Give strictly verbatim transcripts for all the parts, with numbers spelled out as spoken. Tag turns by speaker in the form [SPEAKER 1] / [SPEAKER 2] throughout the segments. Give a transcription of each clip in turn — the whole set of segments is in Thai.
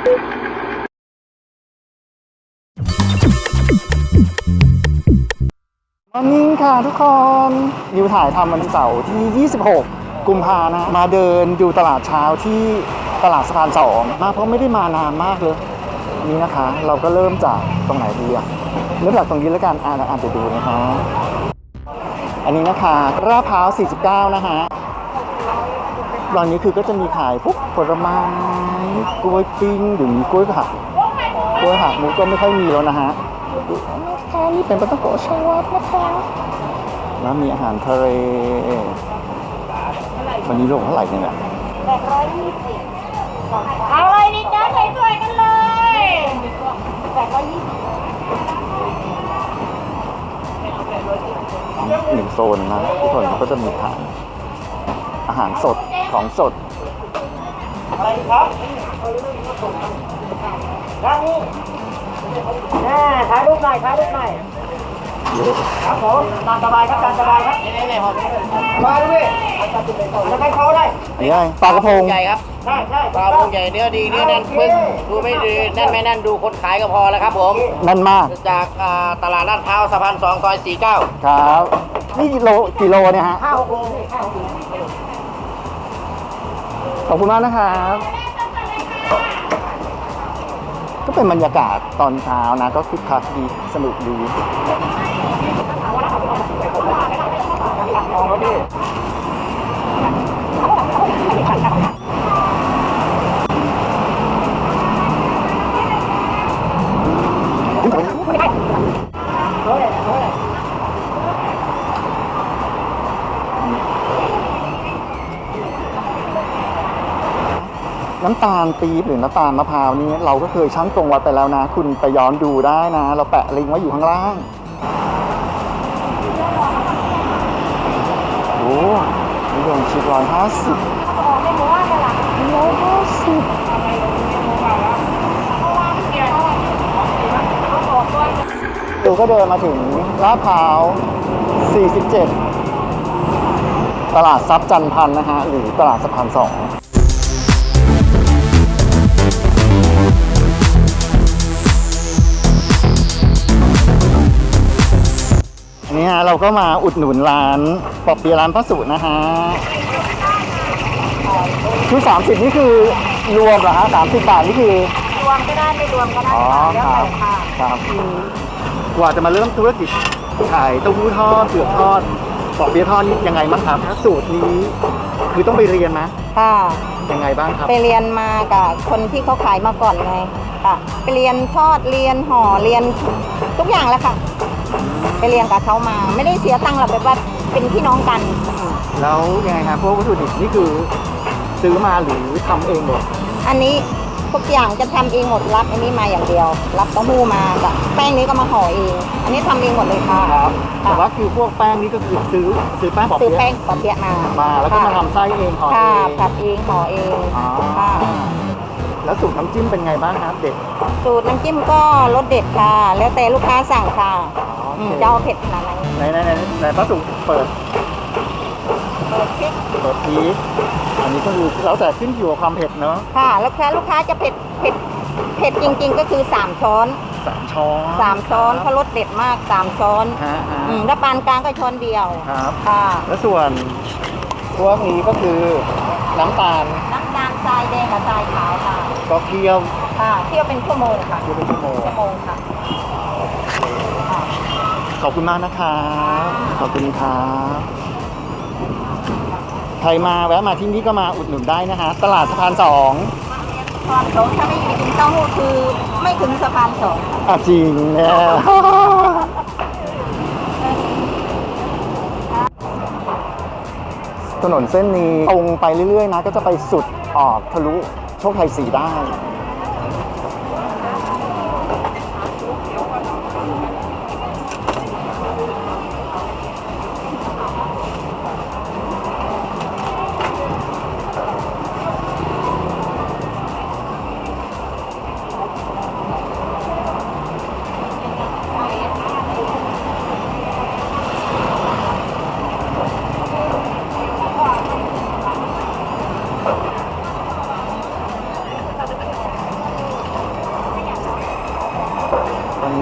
[SPEAKER 1] วันนี้ค่ะทุกคนนิวถ่ายทำวันเสาร์ที่ยี่สิบหกกุมภานะมาเดินดูตลาดเช้าที่ตลาดสะพานสองมาเพราะไม่ได้มานานมากเลยนี่นะคะเราก็เริ่มจากตรงไหนดีอะเริ่มจากตรงนี้แล้วกันอ่านอ่านไปดูนะคะอันนี้นะคะลาดพร้าวสี่สิบเก้านะฮะตอนนี้คือก็จะมีขายพวกผลไม้กล้วยปิ้งหรือกล้วยหักกล้วยหักมุกก็ไม่ค่อยมีแล้วนะฮะนะคะนี่เป็นปลาท่องโกะชวัดนะคะแล้วมีอาหารทะเลวันนี้ลงเท่าไหร่เนี่ย
[SPEAKER 2] แปดร้อยยี่สิบเอาเลยดิจ้าใส่ถ้วยกันเลยแปดร้อยยี่สิบ
[SPEAKER 1] หนึ่งโซนนะทุกคนก็จะมีขายอาหารสดของสด
[SPEAKER 2] อะไรครับด้านนี้แน่ถ่ายรูปหน่อยถ่ายรูปหน่อยครับผมตามสบายครับตามสบายครับนี่นี่ครับมาด้วยแล้วใครเขาได้
[SPEAKER 1] นี่ไงปลากระพง
[SPEAKER 2] ใหญ่ครับใช่ใช่ปลากระพงใหญ่เนื้อดีเนื้อแน่นปึ๊กดูไม่ดีแน่นไม่แน่นดูคนขายก็พอแล้วครับผม
[SPEAKER 1] แน่นมาก
[SPEAKER 2] จากตลาดลาดพร้าวสะพานสองซอยสี่เก้า
[SPEAKER 1] ครับนี่กิโลกิโลเนี่ยฮะ
[SPEAKER 2] ห้าหกโล
[SPEAKER 1] ขอบคุณมากนะครับก็เป็นบรรยากาศตอนเช้านะก็คึกคักดีสนุกดีน้ำตาลปี๊บหรือน้ำตาลมะพร้าวนี้เราก็เคยชั่งตรงวัดไปแล้วนะคุณไปย้อนดูได้นะเราแปะลิงก์ไว้อยู่ข้างล่างโอ้นิยมชิดร้อยห้าสิบร้อยห้าสิบดูก็เดินมาถึงลาดพร้าวสี่สิบเจ็ดตลาดทรัพย์จันพันนะฮะหรือตลาดสะพานสองนี่ฮะเราก็มาอุดหนุนร้านปอเปี๊ยะร้านพระสุนะฮะคือสามสิบนี่คือรวมเหรอฮะสามสิบบาทนี่คือ
[SPEAKER 2] รวมก็ได้ไม่รวมก็ได้
[SPEAKER 1] อ๋อครับครับกว่าจะมาเริ่มธุรกิจขายเต้าหู้ทอดเผือกทอดปอเปี๊ยะทอดนี่ยังไงบ้างครับสูตรนี้คือต้องไปเรียนไหม
[SPEAKER 3] ค่ะ
[SPEAKER 1] ยังไงบ้างครับ
[SPEAKER 3] ไปเรียนมากับคนที่เขาขายมาก่อนไงค่ะไปเรียนทอดเรียนห่อเรียนทุกอย่างแล้วค่ะไปเรียนกับเขามาไม่ได้เสียตังค์หรอกแบบว่าเป็นพี่น้องกัน
[SPEAKER 1] แล้วยังไงครับพวกวัตถุดิบนี่คือซื้อมาหรือทำเองหมด
[SPEAKER 3] อันนี้ทุกอย่างจะทำเองหมดรับอันนี้มาอย่างเดียวรับเต้าหู้มากับแป้งนี้ก็มาห่อเองอันนี้ทำเองหมดเลยค่ะ
[SPEAKER 1] ครับแต่ว่าคือพวกแป้งนี้ก็คือซื้อซื้อแป้งปอเปี๊ยะ
[SPEAKER 3] ซื้อแป้งปอเปี๊ยะมา
[SPEAKER 1] มาแล้วก็มาทำไส้เองห่อเอง
[SPEAKER 3] ผัดเองห่อเอง
[SPEAKER 1] ค่ะแล้วสูตรน้ำจิ้มเป็นไงบ้างครับเด็ด
[SPEAKER 3] สูตรน้ำจิ้มก็รสเด็ดค่ะแล้วแต่ลูกค้าสั่งค่ะจะเอาเผ็ดขนาดไหน
[SPEAKER 1] ไหนไหนไหนไหนป้าสุเปิด
[SPEAKER 3] เปิดพริก
[SPEAKER 1] เปิดพริกอันนี้ก็คือแล้วแต่ขึ้นอยู่กับความเผ็ดเนาะ
[SPEAKER 3] ค่ะแล้วแค่ลูกค้าจะเผ็ดเผ็ดเผ็ดจริงๆก็คือสามช้อน
[SPEAKER 1] สามช้อน
[SPEAKER 3] สามช้อนเพราะรสเด็ดมากสามช้อนอืมแล้วปานกลางก็ช้อนเดียว
[SPEAKER 1] ครับ
[SPEAKER 3] ค่ะ
[SPEAKER 1] แล้วส่วนพวกนี้ก็คือน้ำตาล
[SPEAKER 3] น้ำตาลทรายแดงกับทรายขาวค่ะ
[SPEAKER 1] ก็เคี่ยว
[SPEAKER 3] ค่ะเคี่ยวเป็นชั่วโมงค่ะ
[SPEAKER 1] เคี่ยวเป็นชั่วโมง
[SPEAKER 3] ชั่วโมงค่ะ
[SPEAKER 1] ขอบคุณมากนะครับขอบคุณครับใครมาแวะมาที่นี่ก็มาอุดหนุนได้นะฮะตลาดสะพานสอง
[SPEAKER 3] สะพานสองถ้าไม่มีกินเต้าหู้คือไม่ถึงสะพานสอง
[SPEAKER 1] อ่ะจริงเนี่ยถนนเส้นนี้ตรงไปเรื่อยๆนะก็จะไปสุดออกทะลุโชคชัยสี่ได้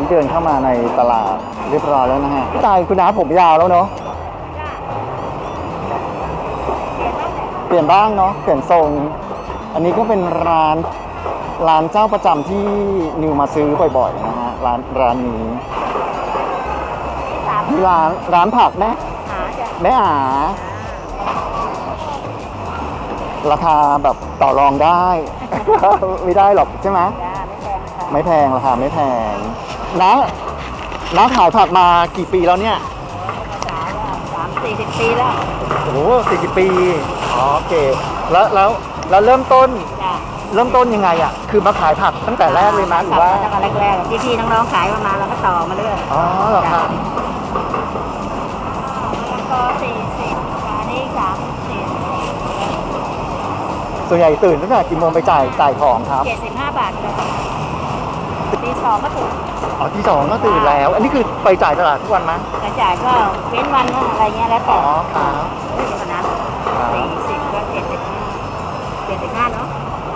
[SPEAKER 1] นี้เดินเข้ามาในตลาดเรียบร้อยแล้วนะฮะพี่ตายคุณน้าผมยาวแล้วเนาะเปลี่ยนบ้างเนาะเปลี่ยนทรงอันนี้ก็เป็นร้านร้านเจ้าประจำที่นิวมาซื้อบ่อยๆนะฮะร้านร้านนี้ร้านร้านผักแม่แม่อาราคาแบบต่อรองได้ ไม่ได้หรอกใช่ไหมไม่แพงราคาไม่แพงนะน้าขายผักมากี่ปีแล้วเนี่ย
[SPEAKER 3] สามสี่สิบปีแล้ว
[SPEAKER 1] โอ้โหสี่สิบปีอ๋อโอเคแล้วแล้วแล้วเริ่มต้นเริ่มต้นยังไงอ่ะคือมาขายผักตั้งแต่แรกเลยมั้ยหรือว่า
[SPEAKER 3] ตั้งแต่แรกๆพี่ๆน้องๆขายมาแล้วก็ต่อมาเรื่อย
[SPEAKER 1] อ๋อเหรอครับ
[SPEAKER 3] ก็สี่สิบอันนี้สามสิบ
[SPEAKER 1] ส่วนใหญ่ตื่นตั้งแต่กี่โมงไปจ่ายจ่ายของครับ
[SPEAKER 3] เจ็ดสิบห้าบาทเลยตีสองก็ตื่น
[SPEAKER 1] อ๋อที่สองก็ตื่นแล้วอันนี้คือไปจ่ายตลาดทุกวันมั้ย
[SPEAKER 3] ไปจ่ายก็เว้นวันอะไรเงี้ยแล้วแต่
[SPEAKER 1] อ๋อครับ
[SPEAKER 3] ขนาดสี่สิบก็เจ็ดสิบเจ็ดสิบห้าเนาะ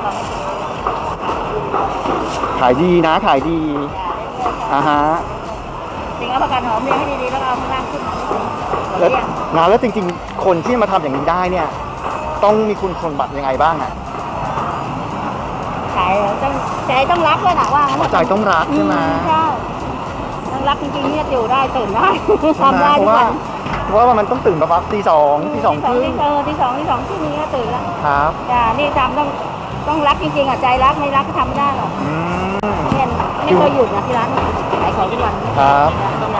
[SPEAKER 1] ขายดีนะขายดีอ่าฮะ
[SPEAKER 3] จริงเอาประกันหอมเรียงให้ดีๆแล้วเอาข้างล่างขึ้นมา
[SPEAKER 1] แล้วนะแล้วจริงๆคนที่มาทำอย่างนี้ได้เนี่ยต้องมีคุณสมบัติยังไงบ้างอ่ะ
[SPEAKER 3] ใจต้องใจต้องรักด้วยนะว่า
[SPEAKER 1] ใจต้องรักใช่ไหม
[SPEAKER 3] ใช่ต้องรักจริงๆเนี่ยอยู่ได้ตื่นได้ทำได้ทุกวัน
[SPEAKER 1] เพราะว่ามันต้องตื่นประมาณตีสองตีสองครึ่ง
[SPEAKER 3] เออตีสองตีสองที่นี้ก็ตื่นแล้ว
[SPEAKER 1] ครับ
[SPEAKER 3] จ้านี่ทำต้องต้องรักจริงๆอ่ะใจรักไม่รักก็ทำไม่ได้หรอกเนี่ยไม่เคยหยุดนะที่ร้านขายของทุกวัน
[SPEAKER 1] ครับ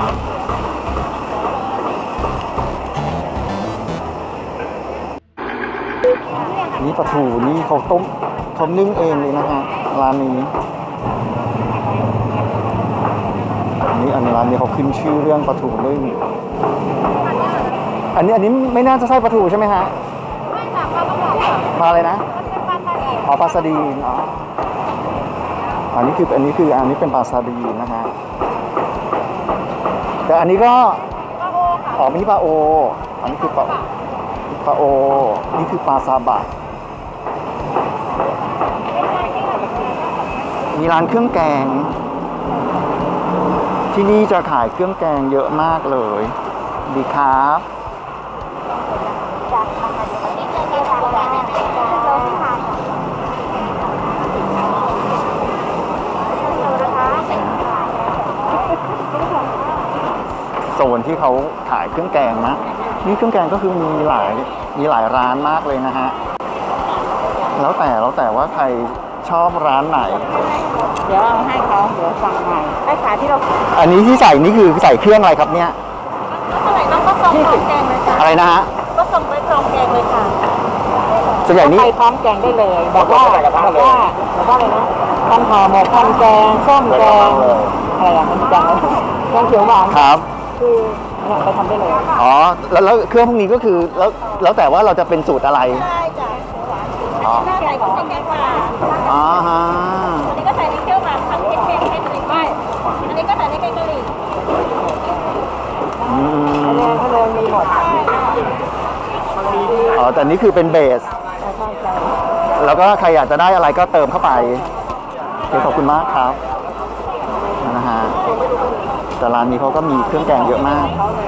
[SPEAKER 1] นี่ปลาทูนี่เขาต้มเขานึ่งเองเลยนะฮะร้านนี้อันนี้อันร้านนี้เขาขึ้นชื่อเรื่องปลาทูนึ่งอันนี้อันนี้ไม่น่าจะใช่ปลาทูใช่ไหมฮะ
[SPEAKER 3] ไม่ค่ะปลากระบอก
[SPEAKER 1] ปลาอะไรนะอ๋อปลาซาดีนอ๋ออันนี้คืออันนี้คืออันนี้เป็นปลาซาดีนนะฮะแต่อันนี้ก็
[SPEAKER 3] ปลาโอค่ะ
[SPEAKER 1] อ๋อนี่ปลาโออันนี้คือปลาปลาโอนี่คือปลาซาบะมีร้านเครื่องแกงที่นี่จะขายเครื่องแกงเยอะมากเลยดีครับโซนที่เขาขายเครื่องแกงนะนี่เครื่องแกงก็คือมีหลายมีหลายร้านมากเลยนะฮะแล้วแต่แล้วแต่ว่าใครชอบร้านไหน
[SPEAKER 3] เดี๋ยวเอาให้เขาเดี๋ยวสั่งใหม่ไอ้ขาที่เรา
[SPEAKER 1] อันนี้ที่ใส่นี่คือใส่เครื่องอะไรครับเนี่ย
[SPEAKER 3] เท่าไหร่ต้องก็ส่งพร้อมแกงเลยค่ะ
[SPEAKER 1] อะไรนะฮะ
[SPEAKER 3] ก็ส่งไปพร้อมแกงเลยค่ะ
[SPEAKER 1] ส่วนใหญ่นี่
[SPEAKER 3] ไปพร้อมแกงได้เลยบอกว่าบอกว่าบอกว่าเลยนะพันห่อหมกพันแกงส้มแกงอะไรอย่างนี้แกงแกงเขียวหวาน
[SPEAKER 1] ครับ
[SPEAKER 3] คือเนี่ยไปทำได้เลย
[SPEAKER 1] อ๋อแล้วแล้วเครื่องพวกนี้ก็คือแล้วแล้วแต่ว่าเราจะเป็นสูตรอะไร
[SPEAKER 3] ใช่จ้ะหวานอ๋อใส่ของแกงหวาน
[SPEAKER 1] อ๋อฮะ
[SPEAKER 3] อันนี้ก็ใส่ในเขียวหวานทำเค็มๆให้กะหรี่ไม่อันนี้ก็ใส่ในแกงกะหรี่
[SPEAKER 1] อืม
[SPEAKER 3] อันนี้อันนี้มีหมด
[SPEAKER 1] อ๋อแต่นี่คือเป็นเบสแล้วก็ใครอยากจะได้อะไรก็เติมเข้าไปขอบคุณมากครับนะฮะแต่ร้านนี้เขาก็มีเครื่องแกงเยอะมาก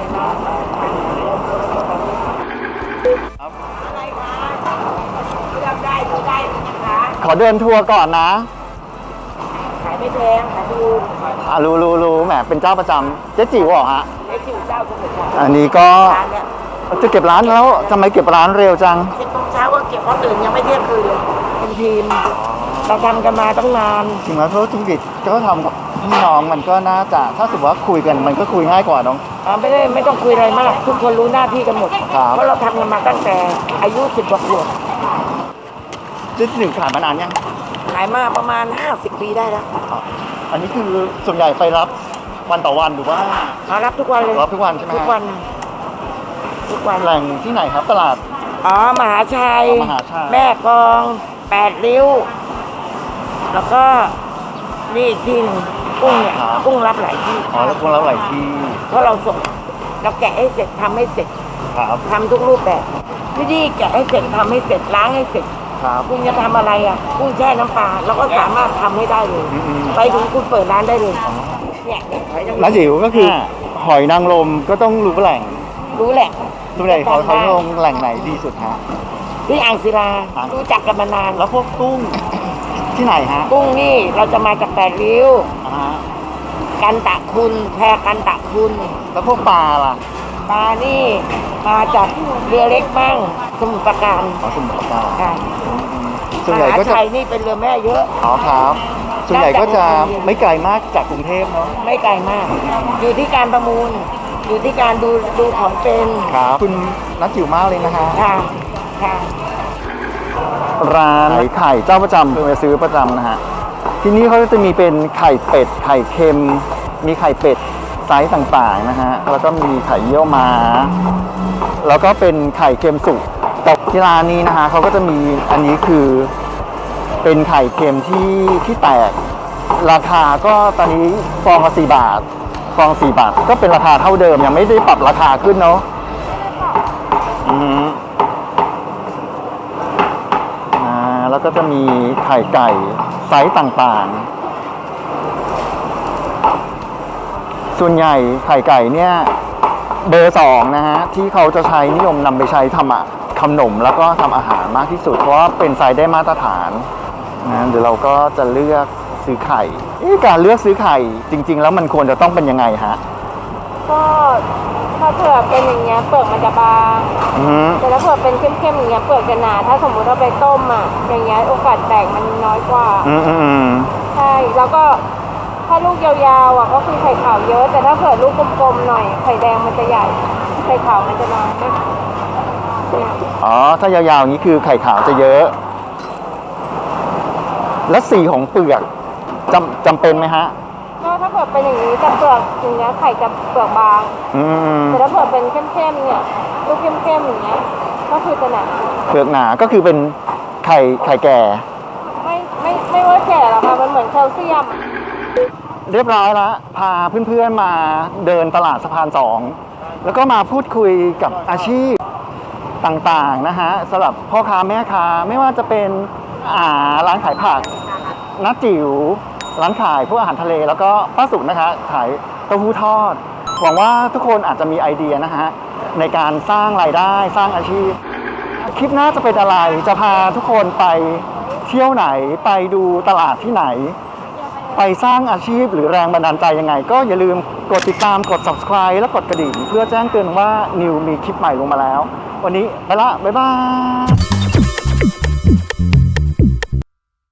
[SPEAKER 1] ขอเดินทัวร์ก่อนนะ
[SPEAKER 3] ขายไม่แพงขายถูก
[SPEAKER 1] อ่ะรู้รู้รู้แหมเป็นเจ้าประจำเจ๊จิ๋วเหรอฮะ
[SPEAKER 3] เจ๊จิ๋วเจ้าประจำ
[SPEAKER 1] อันนี้ก็จะเก็บร้านแล้วทำไมเก็บร้านเร็วจัง
[SPEAKER 3] สิบโมงเช้าก็เก็บเพราะตื่นยังไม่เที่ยงคืนเลยเป็นทีมเราทำกันมาตั้งนาน
[SPEAKER 1] จริงแล้วธุรกิจก็ทำกับพี่น้องมันก็น่าจะถ้าสมมติว่าคุยกันมันก็คุยง่ายกว่าน้อง
[SPEAKER 3] อ๋อไม่ได้ไม่ต้องคุยอะไรมากทุกคนรู้หน้าที่กันหมดเพราะเราทำกันมาตั้งแต่อายุสิบกว่าขวบ
[SPEAKER 1] จะถึงขายมานานยัง
[SPEAKER 3] ขายมาประมาณห้าสิบปีได้แล้ว
[SPEAKER 1] อันนี้คือส่วนใหญ่ไปรับวันต่อวันหรือว่า
[SPEAKER 3] รับทุกวันเลย
[SPEAKER 1] รับทุกวันใช่ไหม
[SPEAKER 3] ทุกวันทุกวัน
[SPEAKER 1] แหล่งที่ไหนครับตลาด
[SPEAKER 3] อ๋อมหาชัย
[SPEAKER 1] มหาชัย
[SPEAKER 3] แม่กลองแปดริ้วแล้วก็นี่อีกที่หนึ่งกุ้งเนี่ยกุ้งรับหลายที่
[SPEAKER 1] อ๋อแล้วกุ้งรับหลายที่
[SPEAKER 3] เพราะเราส่งเราแกะให้เสร็จทำให้เสร็จ
[SPEAKER 1] ครับ
[SPEAKER 3] ทำทุกรูปแบบที่นี่แกะให้เสร็จทำให้เสร็จล้างให้เสร็จ
[SPEAKER 1] ครับ
[SPEAKER 3] คุณจะทำอะไรอ่ะกุ้งแช่น้ำปลาเราก็สามารถทำให้ได้เลยไปถึงคุณเปิดร้านได้เลยเนี่ยเนี่ยหอยนางรม
[SPEAKER 1] น้าจิ๋วก็คือหอยนางรมก็ต้องรู้แหล่ง
[SPEAKER 3] รู้แหละ
[SPEAKER 1] รู้แหล่งหอยหอยนางรมแหล่งไหนดีสุดฮะ
[SPEAKER 3] ที่อ่างศิลา
[SPEAKER 1] อ่ะ
[SPEAKER 3] รู้จักกันมานาน
[SPEAKER 1] แล้วพวกกุ้งที่ไหนฮะ
[SPEAKER 3] กุ้งนี่เราจะมาจากแปดริ้ว
[SPEAKER 1] อ่าฮะ
[SPEAKER 3] กันตะคุณแพกันตะคุณ
[SPEAKER 1] แล้วพวกปลาล่ะ
[SPEAKER 3] ปลานี่มาจากเรือเล็กบ้างสมุทรปราการ
[SPEAKER 1] อ๋อสมุทรปราการ
[SPEAKER 3] ค่ะ
[SPEAKER 1] ส่วนใหญ่ก็
[SPEAKER 3] ม
[SPEAKER 1] จะ
[SPEAKER 3] หาชัยนี่เป็นเรือแม่เยอะ
[SPEAKER 1] อ๋อครับ ส่วนใหญ่ก็จะไม่ไกลมากจากกรุงเทพเนาะ
[SPEAKER 3] ไม่ไกลมาก อยู่ที่การประมูล อยู่ที่การดูดูของเป็น
[SPEAKER 1] ครับคุณนัทจิ๋วมากเลยนะฮะ
[SPEAKER 3] ค่ะค่ะ
[SPEAKER 1] ร้านไข่ไข่เจ้าประจำเคยไปซื้อประจำนะฮะ ที่นี่เขาจะมีเป็นไข่เป็ด ไข่เค็ม มีไข่เป็ดไซส์ต่างๆนะฮะ แล้วก็มีไข่เยี่ยวม้า แล้วก็เป็นไข่เค็มสุก แต่ที่ร้านนี้นะฮะเขาก็จะมีอันนี้คือเป็นไข่เค็มที่ที่แตก ราคาก็ตอนนี้ฟองละสี่บาท ฟองสี่บาท ก็เป็นราคาเท่าเดิมยังไม่ได้ปรับราคาขึ้นเนาะอืม อ่าแล้วก็จะมีไข่ไก่ไซส์ต่างๆ ส่วนใหญ่ไข่ไก่เนี่ยเบอร์สองนะฮะที่เขาจะใช้นิยมนำไปใช้ทำอะขนมแล้วก็ทำอาหารมากที่สุดเพราะว่าเป็นไซส์ได้มาตรฐานนะเดี๋ยวเราก็จะเลือกซื้อไข่เอ๊ะการเลือกซื้อไข่จริง ๆ แล้วมันควรจะต้องเป็นยังไงฮะ
[SPEAKER 3] ก็ถ้าเผือกเป็นอย่างเงี้ยเปลือกมันจะบาง
[SPEAKER 1] อือฮึ
[SPEAKER 3] แต่ถ้าเผือกเป็นเข้มๆอย่างเงี้ยเปลือกจะหนา ถ้าสมมุติเราไปต้มอ่ะอย่างเงี้ยโอกาสแตกมันน้อยกว่า
[SPEAKER 1] อืมอืมอืม
[SPEAKER 3] ใช่แล้วก็ถ้าลูกยาวๆอ่ะก็คือไข่ขาวเยอะ แต่ถ้าเผื่อลูกกลมๆหน่อยไข่แดงมันจะใหญ่ไข่ขาวมันจะน้อยเนี่ย
[SPEAKER 1] อ๋อถ้ายาวๆอย่างนี้คือไข่ขาวจะเยอะ และสีของเปลือกจำจำเป็นไหมฮะ
[SPEAKER 3] ก็ถ้าเผื่อเป็นอย่างนี้จะเปลือกอย่างเงี้ยไข่จะเปลือกบาง
[SPEAKER 1] อืม
[SPEAKER 3] แต่ถ้าเผื่อเป็นเข้มๆเนี่ยลูกเข้มๆอย่างเงี้ยก็คือจะหนา
[SPEAKER 1] เปลือกหนาก็คือเป็นไข่ไข่แก่
[SPEAKER 3] ไม่ไม่ไม่ว่าแก่หรอกค่ะมันเหมือนแคลเซียม
[SPEAKER 1] เรียบร้อยแล้วพาเพื่อนๆมาเดินตลาดสะพานสองแล้วก็มาพูดคุยกับอาชีพต่างๆนะฮะสำหรับพ่อค้าแม่ค้าไม่ว่าจะเป็นอ่าร้านขายผักน้าจิ๋วร้านขายพวกอาหารทะเลแล้วก็ป้าสุนะคะขายเต้าหู้ทอดหวังว่าทุกคนอาจจะมีไอเดียนะฮะในการสร้างรายได้สร้างอาชีพ คลิปหน้าจะเป็นอะไรจะพาทุกคนไปเที่ยวไหนไปดูตลาดที่ไหน ไปสร้างอาชีพหรือแรงบันดาลใจยังไง ก็อย่าลืมกดติดตามกด subscribe และกดกระดิ่งเพื่อแจ้งเตือนว่านิวมีคลิปใหม่ลงมาแล้ว วันนี้ไปละ บ๊ายบาย